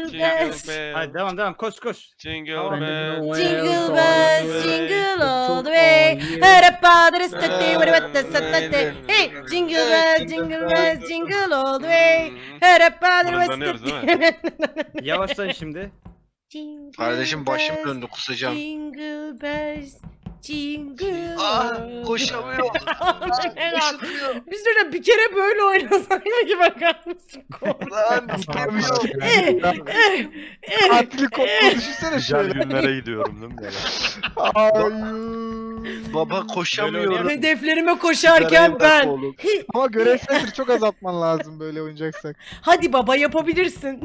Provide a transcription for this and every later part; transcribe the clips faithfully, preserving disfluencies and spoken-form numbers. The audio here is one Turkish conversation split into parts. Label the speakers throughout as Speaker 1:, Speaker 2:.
Speaker 1: Jingle
Speaker 2: Jingle
Speaker 1: bells.
Speaker 2: bells.
Speaker 3: Hadi devam devam koş koş.
Speaker 2: Jingle
Speaker 3: Tamam.
Speaker 2: bells.
Speaker 1: Jingle bells, jingle all the way. Her padre stati, what stati. Hey, jingle bells, jingle bells, jingle all the way. Her padre
Speaker 2: Mırıldanıyoruz değil
Speaker 1: stati.
Speaker 3: Yavaşlayın şimdi.
Speaker 1: Jingle
Speaker 4: Kardeşim başım
Speaker 1: bells,
Speaker 4: döndü, kusacağım.
Speaker 1: Jingle bells, jingle
Speaker 4: Ah,
Speaker 1: all the
Speaker 4: koşamıyorum.
Speaker 1: way. Biz de bir kere böyle oynasak ki bakar mısın?
Speaker 4: Lan tutamıyorum.
Speaker 5: Katili koptu düşünsene
Speaker 6: Güzel
Speaker 5: şöyle.
Speaker 6: günlere gidiyorum değil mi böyle?
Speaker 5: Hayır.
Speaker 4: Baba koşamıyorum.
Speaker 1: Hedeflerime koşarken ben.
Speaker 5: Ama görev sayısını çok azaltman lazım böyle oynayacaksak.
Speaker 1: Hadi baba yapabilirsin.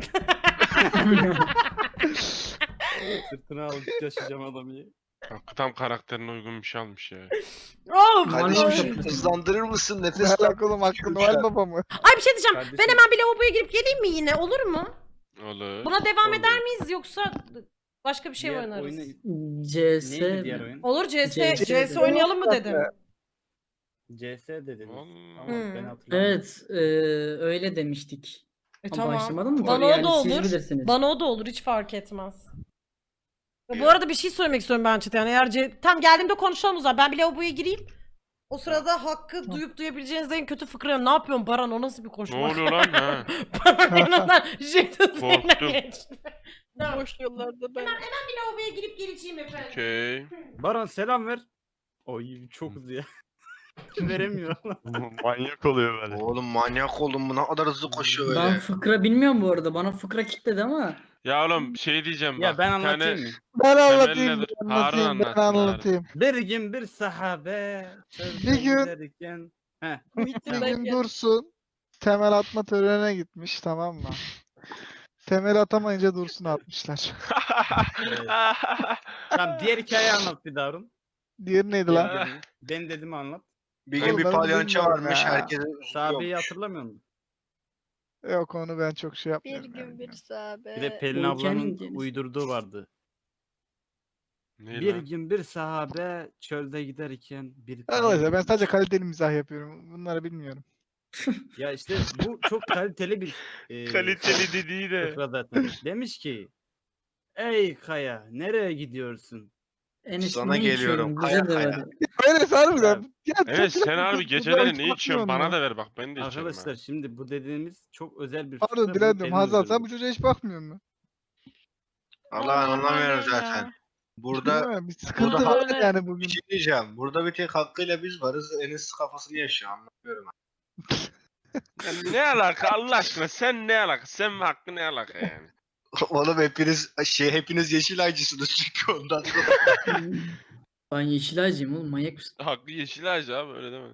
Speaker 3: Sırtına alıp yaşayacağım adamı.
Speaker 2: Hakkı tam karakterine uygun bir şey almış ya.
Speaker 1: Of.
Speaker 4: Kardeşim hızlandırır mısın? Nefes
Speaker 5: Ne
Speaker 4: al.
Speaker 5: alaka oğlum Hakkı Noel Baba mı?
Speaker 1: Ay bir şey diyeceğim.
Speaker 3: Kardeşim.
Speaker 1: Ben hemen bir lavaboya girip geleyim mi yine? Olur mu?
Speaker 2: Olur.
Speaker 1: Buna devam
Speaker 2: Olur.
Speaker 1: eder miyiz yoksa başka bir şey mi
Speaker 3: Diğer
Speaker 1: oynarız?
Speaker 3: oyunu-
Speaker 7: C S
Speaker 3: Neydi diğer oyun?
Speaker 1: Olur C S,
Speaker 7: C S
Speaker 1: C S oynayalım mı dedim.
Speaker 3: C S dediniz.
Speaker 2: Vallahi.
Speaker 3: Ama
Speaker 1: Hmm.
Speaker 3: ben hatırlamıyorum.
Speaker 7: Evet, e, öyle demiştik.
Speaker 1: E
Speaker 7: Ama
Speaker 1: tamam.
Speaker 7: başlamadın mı?
Speaker 1: Bana
Speaker 7: Tabii
Speaker 1: o
Speaker 7: yani
Speaker 1: da
Speaker 7: siz
Speaker 1: olur.
Speaker 7: bilirsiniz.
Speaker 1: Bana o da olur hiç fark etmez. Ya bu arada bir şey söylemek istiyorum ben Çetin. Yani eğer C... Tam geldiğimde konuşalım o zaman. Ben bir lavaboya gireyim. O sırada Hakkı duyup duyabileceğiniz en kötü fıkra. Ne yapıyorsun Baran? O nasıl bir
Speaker 2: Ne
Speaker 1: koşma?
Speaker 2: oluyor lan ha?
Speaker 1: Baran yanından jet hızıyla
Speaker 2: Korktum.
Speaker 1: geçti. Tamam.
Speaker 8: Boş yollarda ben.
Speaker 1: Bir lavaboya girip geleceğim efendim.
Speaker 2: Okey.
Speaker 3: Baran selam ver. Oy çok hızlı ya. Veremiyor.
Speaker 6: Manyak oluyor böyle.
Speaker 4: Oğlum manyak oldum, bu ne kadar hızlı koşuyor
Speaker 7: Ben
Speaker 4: öyle.
Speaker 7: fıkra bilmiyorum bu arada. Bana fıkra kitledi ama.
Speaker 2: Ya oğlum şey diyeceğim
Speaker 3: Ya
Speaker 2: bak.
Speaker 3: ben
Speaker 2: bir tane-
Speaker 3: anlatayım mı?
Speaker 5: Ben
Speaker 2: Temelli
Speaker 5: anlatayım,
Speaker 2: dur.
Speaker 5: ben
Speaker 2: Harun
Speaker 5: anlatayım, ben
Speaker 2: anlatsın,
Speaker 5: anlatayım.
Speaker 3: Bir gün bir sahabe çölde
Speaker 5: Bir gün-
Speaker 3: giderken... Heh.
Speaker 5: Bir gün Dursun temel atma törenine gitmiş, tamam mı? Temel atamayınca Dursun'u atmışlar.
Speaker 3: Tamam diğer hikayeyi anlat bir daha Harun.
Speaker 5: Diğeri neydi lan?
Speaker 2: Ya.
Speaker 3: Ben dedim anlat.
Speaker 4: Bir
Speaker 5: Oğlum
Speaker 4: gün bir
Speaker 5: ben
Speaker 4: palyaço
Speaker 5: bilmiyorum
Speaker 4: varmış,
Speaker 5: ya.
Speaker 4: herkese
Speaker 3: Sahabeyi
Speaker 4: üzülüyormuş.
Speaker 3: hatırlamıyor musun?
Speaker 5: Yok onu ben çok şey
Speaker 8: Bir
Speaker 5: yapmıyorum.
Speaker 8: gün
Speaker 5: yani.
Speaker 8: bir sahabe.
Speaker 3: Bir de Pelin
Speaker 7: o
Speaker 3: ablanın
Speaker 7: kendiniz.
Speaker 3: uydurduğu vardı.
Speaker 2: Ne
Speaker 3: Bir
Speaker 2: lan?
Speaker 3: gün bir sahabe çölde giderken bir...
Speaker 5: Arkadaşlar ben sadece kaliteli mizah yapıyorum. Bunları bilmiyorum.
Speaker 3: Ya işte bu çok kaliteli bir... e,
Speaker 2: Kaliteli dediği de.
Speaker 3: fıkra zaten. Demiş ki... Ey Kaya nereye gidiyorsun?
Speaker 7: Enes
Speaker 4: Sana
Speaker 7: ne
Speaker 4: geliyorum,
Speaker 7: içiyorsun? Bize
Speaker 4: kaya
Speaker 7: de
Speaker 4: kaya.
Speaker 7: ver.
Speaker 5: Öyle harbiden. Ya,
Speaker 2: Evet
Speaker 5: çok
Speaker 2: sen
Speaker 5: laf-
Speaker 2: abi
Speaker 5: bu-
Speaker 2: geceleri
Speaker 5: bu-
Speaker 2: ne
Speaker 5: bu-
Speaker 2: içiyorsun?
Speaker 5: bakmıyorum
Speaker 2: Bana
Speaker 5: ya.
Speaker 2: da ver bak ben de içerim.
Speaker 3: Arkadaşlar şimdi bu dediğimiz çok özel bir
Speaker 5: Pardon
Speaker 3: bunu
Speaker 5: dilerim
Speaker 3: Pelin
Speaker 5: Hazal sen
Speaker 3: uydurdu.
Speaker 5: bu çocuğa hiç bakmıyor musun?
Speaker 4: Allah ben anlamıyorum zaten. Burada
Speaker 5: Değil mi? Bir sıkıntı
Speaker 4: burada
Speaker 5: var
Speaker 8: haklı-
Speaker 5: yani
Speaker 4: bir
Speaker 5: bugün.
Speaker 4: şey diyeceğim. Burada bir tek Hakkı'yla biz varız. Enes kafasını yaşıyor, anlamıyorum.
Speaker 2: Ya ne alaka Allah aşkına sen ne alaka? Sen ve Hakkı ne alaka yani?
Speaker 4: Oğlum hepiniz şey hepiniz Yeşilaycısınız çünkü ondan sonra.
Speaker 7: Ben Yeşilaycıyım oğlum, manyak mısın?
Speaker 2: Hakkı yeşil ağacı abi öyle deme.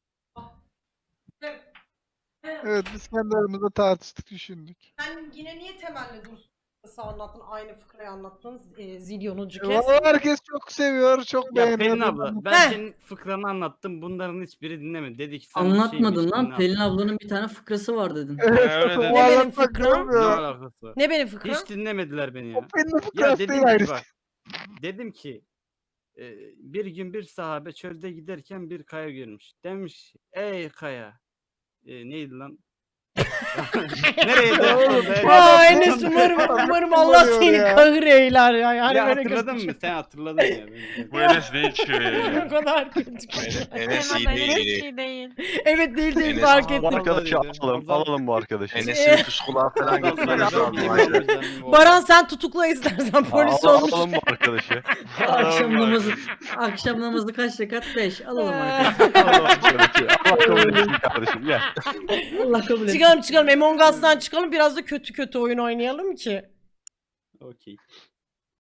Speaker 5: Evet biz kendi aramızda tartıştık, düşündük.
Speaker 1: Sen yine niye temelli dursun anlattın? Aynı fıkrayı anlattın. E, zilyonuncu
Speaker 5: E,
Speaker 1: kez.
Speaker 5: Vallahi herkes çok seviyor, çok
Speaker 3: Ya
Speaker 5: beğeniyor.
Speaker 3: Pelin abla ben
Speaker 1: Heh.
Speaker 3: senin fıkranı anlattım. Bunların hiçbiri dinlemedi. Dedi ki sen
Speaker 7: Anlatmadın
Speaker 3: şeymiş,
Speaker 7: lan.
Speaker 3: dinle
Speaker 7: Pelin
Speaker 3: abla.
Speaker 7: ablanın bir tane fıkrası var dedin.
Speaker 5: Evet,
Speaker 2: öyle
Speaker 5: o
Speaker 2: dedi.
Speaker 1: Ne benim
Speaker 5: anlatmak
Speaker 1: fıkram?
Speaker 3: Ne
Speaker 5: olmuyor.
Speaker 3: alakası var?
Speaker 1: Ne benim fıkram?
Speaker 3: Hiç dinlemediler beni
Speaker 5: O
Speaker 3: ya.
Speaker 5: Pelin'in
Speaker 3: Ya
Speaker 5: fıkrası
Speaker 3: dedim
Speaker 5: değil
Speaker 3: ki
Speaker 5: ayrı.
Speaker 3: bak. Dedim ki e, bir gün bir sahabe çölde giderken bir kaya görmüş. Demiş ey kaya. E, neydi lan? Nereye de?
Speaker 1: Aa Enes umarım, umarım Allah
Speaker 5: Umarım
Speaker 1: seni
Speaker 5: ya.
Speaker 1: kahır eyler ya. Yani
Speaker 3: Ya
Speaker 1: böyle
Speaker 3: hatırladın
Speaker 1: kötü-
Speaker 3: mı? Sen hatırladın ya. beni.
Speaker 2: Bu Enes ne içiyor
Speaker 1: O
Speaker 2: ya?
Speaker 1: kadar kötü.
Speaker 4: Enes iyi
Speaker 8: Hemen
Speaker 4: değil.
Speaker 8: Enes
Speaker 4: iyi değil.
Speaker 8: iyi değil.
Speaker 1: Evet değil değil
Speaker 4: Enes-
Speaker 1: fark
Speaker 3: Aa,
Speaker 1: ettim.
Speaker 6: Bu
Speaker 3: Vallahi
Speaker 6: arkadaşı
Speaker 3: dedi.
Speaker 6: alalım.
Speaker 3: Vallahi-
Speaker 6: Alalım bu arkadaşı.
Speaker 4: Enes'in puskulağı falan gitmemiz lazım. acil.
Speaker 1: Baran sen tutukla istersen polis
Speaker 6: Alalım,
Speaker 1: olmuş.
Speaker 6: alalım bu arkadaşı.
Speaker 7: Akşam namazı, akşam namazı kaç rekat? beş. Alalım
Speaker 1: Ee.
Speaker 7: arkadaşlar.
Speaker 6: Alalım arkadaşı. Allah kabul etsin kardeşim. Gel.
Speaker 7: Allah kabul etsin.
Speaker 1: Çıkalım çıkalım Among Us'tan çıkalım biraz da kötü kötü oyun oynayalım ki.
Speaker 3: Okey.